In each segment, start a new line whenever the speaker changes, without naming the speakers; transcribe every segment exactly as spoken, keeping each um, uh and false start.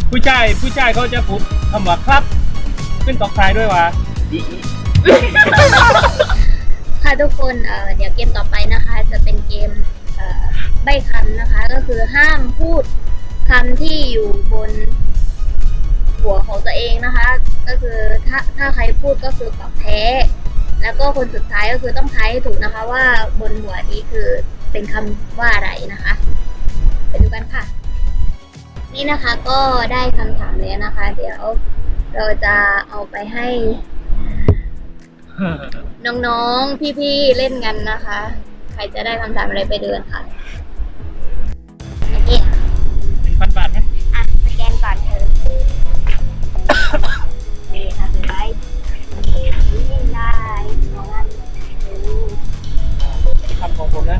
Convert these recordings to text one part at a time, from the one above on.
ผู้ชายผู้ชายเขาจะพูดคำว่าครับขึ้นตอกท้ายด้วยวะ
ค่ะทุกคนเอ่อเดี๋ยวเกมต่อไปนะคะ จะเป็นเกมเอ่อใบ้คำนะคะ ก็คือห้ามพูดคำที่อยู่บนหัวของตัวเองนะคะ ก็คือถ้าถ้าใครพูดก็คือตอบแพ้ แล้วก็คนสุดท้ายก็คือต้องทายให้ถูกนะคะ ว่าบนหัวนี้คือเป็นคำว่าอะไรนะคะไปดูกันค่ะ นี่นะคะก็ได้คำถามแล้วนะคะ เดี๋ยวเราจะเอาไปให้น้องๆพี่ๆเล่นกันนะคะ ใครจะได้คำถามอะไรไปเดินค่ะโอเค
หนึ่งพันบาทไหม
อ่ะสแกนก่อนเธอนี่ค่ะคือได้นี่ได้ของอัน
คำของผมนะ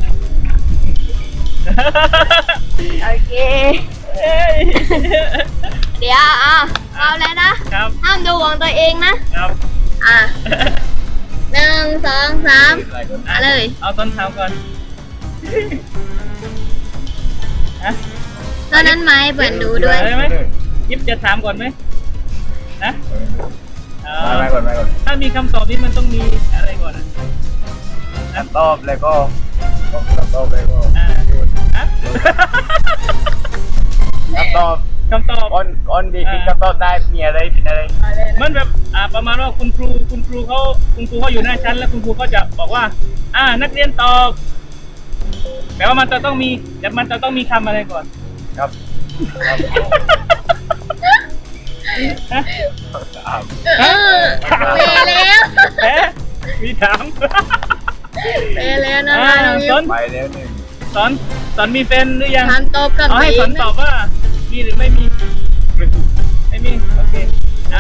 โอเค
เอ้ย
เดี๋ยวเอาเอาแล้วนะครับ ห้ามดูของตัวเองนะครับ อ่ะหนึ่งสองสามเอาเลย
เอาต้นเท้าก่อนฮะ
ตอนนั้นไหมเปิดดูด้วย
ได้ไหมยิบจะถามก่อนไหมนะเออ
ไม่ก่อนไม่ก่อน
ถ้ามีคำตอบนี้มันต้องมีอะไรก่อนนะ
คำตอบแล้วก็คำตอบแล้วก็
อ่าฮะ
คำตอบ
คำตอบ
ก้อนก้อนดีที่คำตอบได้มีอะไรเป็นอะไร
มันแบบอ่าประมาณว่าคุณครูคุณครูเขาคุณครูเขาอยู่หน้าชั้นแล้วคุณครูก็จะบอกว่า อ่านักเรียนตอบแปลว่ามันจะต้องมีแต่มันจะต้องมีคำอะไรก่อน
ครับ
ฮะ
เออเปแล้ว
แพ้มีถาม
เปแล้วนะ
อ่า
คะน้องยิ
ส
ป
น
ไปแล้วหนึ่ง
สอนสอนมีแฟนหรือยัง
ถามตอบกับ
เอาให้สอน
ตัวเง
ตอบว่ามีหรือไม่มีไม่มีโอเคอ่า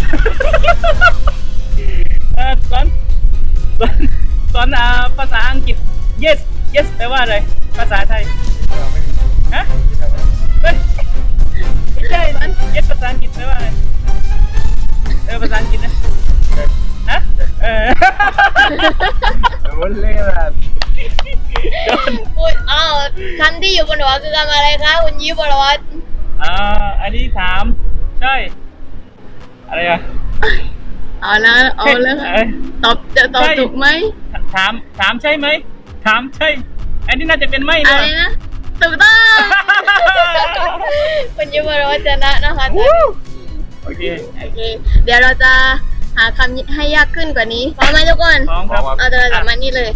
เอ่อสอนสอนสอนอ่าภาษาอังกฤษ yes yes แปลว่าอะไรภาษาไทยฮะเฮ้ยไม่ใช่ yes ภาษาอังกฤษแปลว่าอะไรเออภาษาอังกฤษนะฮะเออ
รู้เลยละ
พูดอ้าวคำที่อยู่บนหัวคือคำอะไรคะคุณยิปบรวัต
อ่าอันนี้ถามใช่อะไรอะ
เอาละเอาละ
เอ้ย
ตอบจะตอบ
ใช่
ถูกไหม
ถามถามใช่ไหมถามใช่ อันนี้น่าจะเป็นไม่
อะ
นะ
ไรนะถูกต้อง คุณยิปบรวัตชนะนะคะตอนนี้
โอเค
โอเคเดี๋ยวเราจะหาคำให้ยากขึ้นกว่านี้พร้อมไหมทุกคน
พร้อมครับ
เอาตัวจับมานี่เลย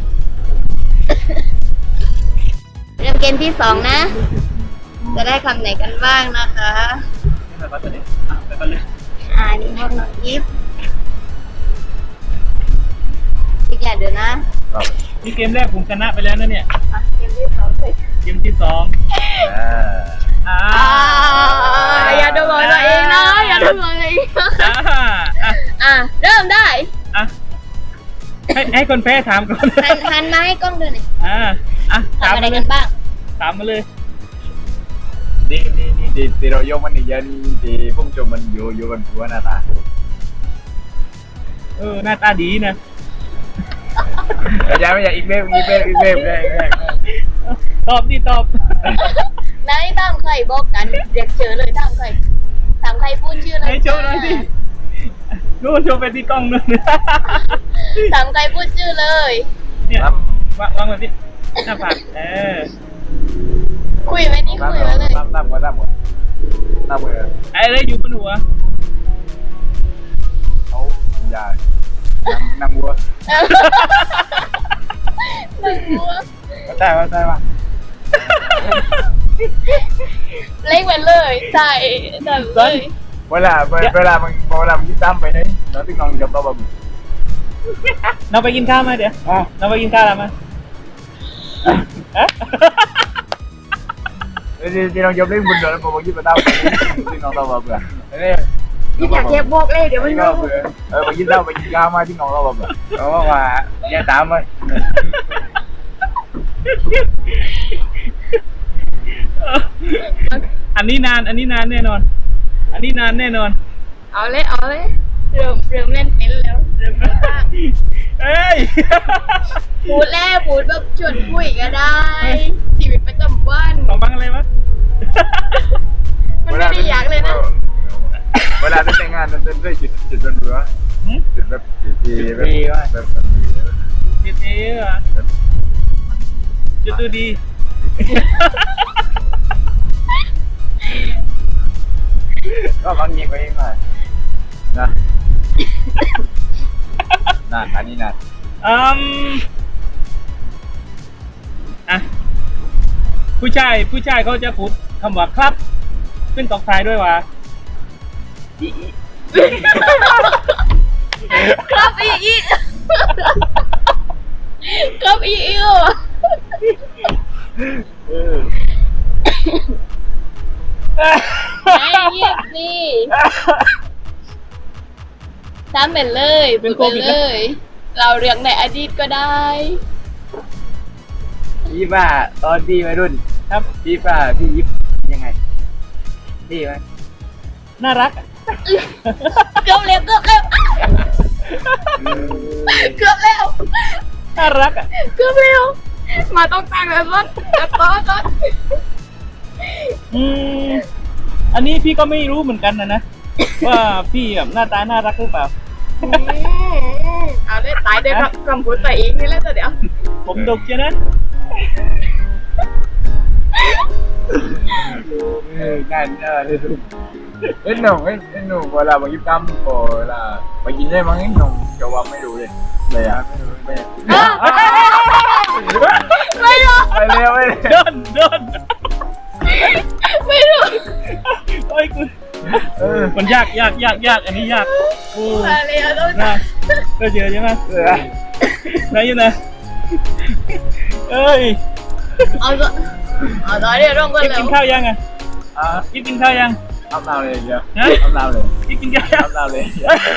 เริ่มเกมที่สองนะ จะได้คำไหนกันบ้างนะคะ
ไปก่อนเลยอ่ะไปก่อนเลย
อ่านี่ห้องน้องยิปอีกอย่างเดี๋ยวนะครับ
นี่เกมแรกผมชนะไปแล้วนะเนี่ย
อ่ะเกมที่สองเลย
เกมที่สอง
อ่า
อ่า
อ่าอย่าดูของตัวเองนะอย่าดูของตัวเองนะ
อ่าอ่ะ
อ่ะเริ่มได้
อ่ะให้ให้คนแพ้ถามก่อน
หันหันมาให้กล้องดูหน่อย
อ่าอ่ะถาม
ทำอะไร
มาเล
กั
ย
นบ้าง
ถามมาเลย
นี่นี่นี่ที่ที่เรายกมันนี่เยอะนี่ที่พุ่งจมมันอยู่อยู่บนหัวหน้าตา
เออหน้าตาดีนะ
ไม่ใช่ไม่ใช่อีกเว็บอีกเว็บอีกเว็บอีกเว็บอีกเว็บ
ตอบดิตอบ
ไหนตามใครบอกกันเรียกเจอเลยตามใครตามใครพูดชื่ออะไร
ให้โชว์หน่อยสินู่นโชว์ไปที่กล้องนู่น
ตามใครพูดชื่อเลย
เนี่ยวางวางแบบนี้หน้าผากเออ
คุยไหมนี่คุยไว้เลย
ตั้มตั้มก่อนตั้มก่อนตั้มก่อน
ไอ้อะไรอยู่บนหัว
เขาอย่านั่งวัว
หนึ่งหัว
ก็ได้ก็ได้ป่ะ
เล็กไปเลยใช่ใช่เลย
เวลาเวลามันเวลามันยิ่งตั้มไปไหนเราต้องนอนกับเราแบบ
เราไปกินข้าวมาเดี๋ยว
อ๋อ
เราไปกินข้าวแล้วมาเอ๊ะ
ที่ที่น้องยกเล่นบุญเดือนแล้วผมยิ่งมาตั้มที่น้องเราแบบเบื่อนี่
ยิ่งอยากเก็บบอกเลยเดี๋ยวมัน
ก็
รู้
เบื่อเออไปยิ่งตั้มไปยิ่งก้าวมาที่น้องเราแบบเบื่อเพราะว่าอย่าตามเลย
อันนี้นาน อันนี้นานแน่นอน อันนี้นานแน่นอน
เอาเลยเอาเลยเริ่มเริ่มเล่นเป็นแล้วเริ่มเล่นบ้าง
เอ้ย
พูดแล้วพูดแบบชวนคุยก็ได้ ชีวิตประจำวัน
ของฟังอะไรวะ
มันไม่ได้อยากเลยนะ
งานนั้นเรื่อยจุดจุดบนเรือ
หืม
จุดแบบจุดทีแบบแบบแบบ
จุดนี้เหรอจุดดูดี
ก็บางยิงไปเองหน่อยนะนั่นอันนี้นั่น
อืมอ่ะผู้ชายผู้ชายเขาจะพูดคำว่าครับขึ้นตอกท้ายด้วยว่า
ครับอีอีครับอีอีอ่ะ
เออ
ไม่เงียบสิทำเป็นเลยพูดไปเลย เราเรื่องในอดีตก็ได้
พี่ป้าตอนพี่วัยรุ่น
ครับ
พี่ป้าพี่ยิบยังไงดีไหม
น่ารักอะ
เกือบแล้วเกือบแล้วเกือบแล้ว
น่ารักอ่ะ
เกือบแล้วมาต้องตั้งแล้วต้นต้นต้น
อืมอันนี้พี่ก็ไม่รู้เหมือนกันนะนะ ว่าพี่แบบหน้าตาน่ารักหรือเปล่า
เอาได้ตายได้รับคำพูดตัวเองนี่แหละเดี๋ยว
ผมดกเชียวนะ
เออนั่นเออเลยดูเอ้ยหนุ่มเอ้ยเอ้ยหนุ่มเวลาบางยิบตั้มโอเวลาไปกินได้มั้งไอ้หนุ่มจะว่าไม่รู้เลยเลยอ่ะไม่รู้ไม่
ไม่รู้
ไปเร็วไปเร็ว
โดนโดน
ไม่รู้
โอ้ยกู
เออ
มันยากยากยากยากอันนี้ยากโอ้
มาแล้วต้น
น่าก็เจอใช่ไหม
เออ
ไหนอยู่นะเอ้ย
เอาตัวเอาตัวเดี๋ยวร้องกัน
กิ๊บ
แล้
กิ
วน
ข้าวยังอ่ะ
อ่ะ
กิ๊บกินข้าวยัง
เอาเราเลยเดี๋ยว
ฮะ
เอาเราเลย
กิ๊บกินข้าวยัง
เอาเราเลย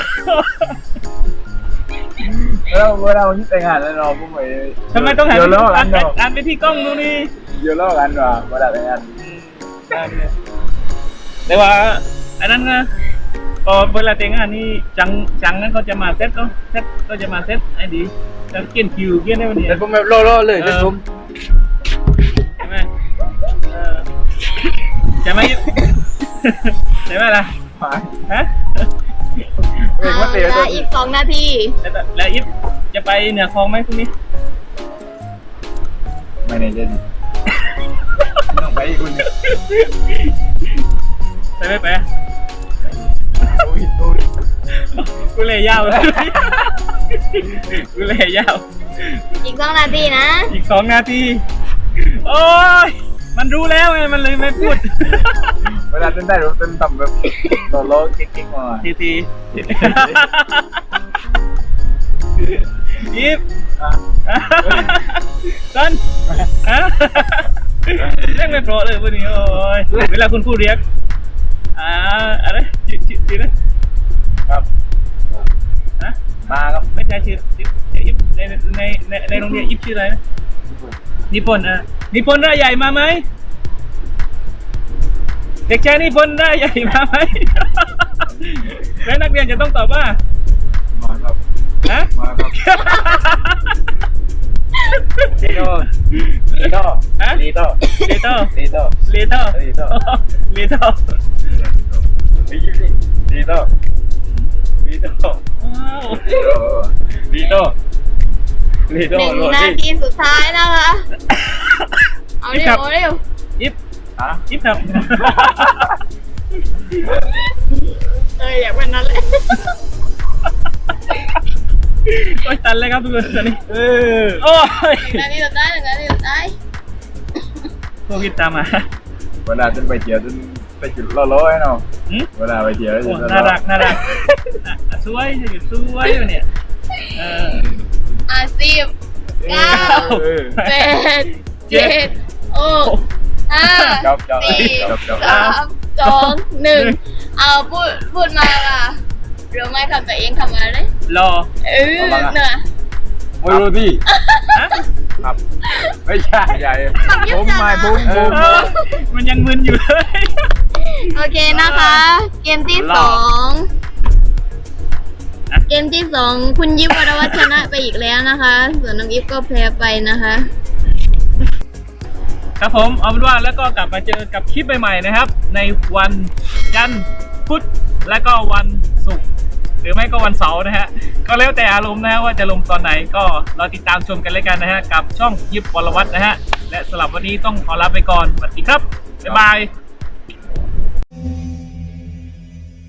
เวลาเวลาวันนี้แต่งงานแล้วเราพวกไป
ทำไมต้องหัน
เดี๋ยว
ไป
เลิก
อ่า
กัน นเนาะ
อ่านไปที่กล้องดูนี่
เดี๋ยวเลิกกันว่ะเวลาแต่งงาน
ได้เนี่ยแต่ว่าอันนั้นนะพอเวลาแต่งงานนี่จังจังนั้นเขาจะมาเซตก็เซตก็จะมาเซตไอ้ดีแล้วเกี่ยนคิวเกี่ยนได้วันนี้
แต่ผมแบบโล่ๆเลยแต่ผม
ใช่ไหมเออใช่ไหมใช่ไหมล่ะฮะ
เออว่าเตี๋ยว
เอา
ตัว
ละอีกสองนาที
แล้วแล้วอิฟจะไปเหนือคลองไหมพรุ่งนี้
ไม่แน่ใจดิต้องไปอีกคน
ไปไม่ไป
โอ้ยโอ้ย
กูเลยยาวเลยกูเลยยาว
อีกสองนาทีนะ
อีกสองนาทีโอ้ยมันรู้แล้วไงมันเลยไม่พูด
เวลาเต้นได้เราเต้นต่ำแบบโลโลกิ๊กๆมา
ทีทีอิฟ
อ่ะ
ต้นฮะเรียกไม่โปรเลยวันนี้โอ้ยเวลาคุณพูดเรียกอ่าอะไรชื่อชื่อชื่อนะครับ ฮะ
มาครับ
ไม่ใช่ชื่อชื่ออิฟในในในในโรงเรียนอิฟชื่ออะไรนะนิพนธ์อ่ะนิพนธ์ร่าใหญ่มาไหมเด็กชายนิพนธ์ร่าใหญ่มาไหมแล้วนักเรียนจะต้องตอบว่า
มาครับ
ฮะ
มาครับลีโต้ลีโต้
ฮะ
ลีโต้
เลโต้
ลีโต้
เลโต้
ลีโต้
เลโต้
ลีโต้ลีโต้
ว้าว
ลีโต้ลีโต้
หนึ่ง
โร
นา
ดี้
ทีสุดท้ายนะคะ เอาเร็วเอาเร็ว
อิฟ
ฮะ
อิฟครับ
เอออยากเป็นนั้นเลย
โอ้ยตันเลยครับทุกคนตอนนี้เออโอ้ย
หนึ่งนาทีสุดท้ายหนึ่งนาทีสุดท้าย
โควิดตามมา
เวลาจนไปเที่ยวจนไปจุดโลโลไอ้น้อง
หืม
เวลาไปเที่ยว
โอ้น่ารักน่ารักอ่ะสวยจะอยู่สวยอยู่เนี่ยเออ
อ่ะสิบเก้าแปดเจ็ดหกห้า
จบจบ
สี่
จบจบ
สามสองหนึ่งเอาพูดพูดมาล่ะรู้ไหมคำตัวเองคำอะไร
รอ
เออเนอะ
โอ้ยโรดี้
ฮะ
ครับไม่ใช่ใหญ่ผมไม่ผมผม
เออมันยังมึนอยู่เลย
โอเคนะคะ เกมที่สองเกมที่สองคุณยิปวรวัฒน์ชนะไปอีกแล้วนะคะ ส่วนน้องอิฟก็แพ้ไปนะคะ
ครับผมเอาเป็นว่าแล้วก็กลับมาเจอกับคลิปใหม่ๆนะครับ ในวันจันทร์พุธพุธและก็วันศุกร์หรือไม่ก็วันเสาร์นะฮะก็แล้วแต่อารมณ์นะฮะว่าจะลงตอนไหนก็เราติดตามชมกันเลยกันนะฮะกับช่องยิบวรวัฒน์นะฮะและสำหรับวันนี้ต้องขอลาไปก่อนสวัสดีครับบ๊ายบาย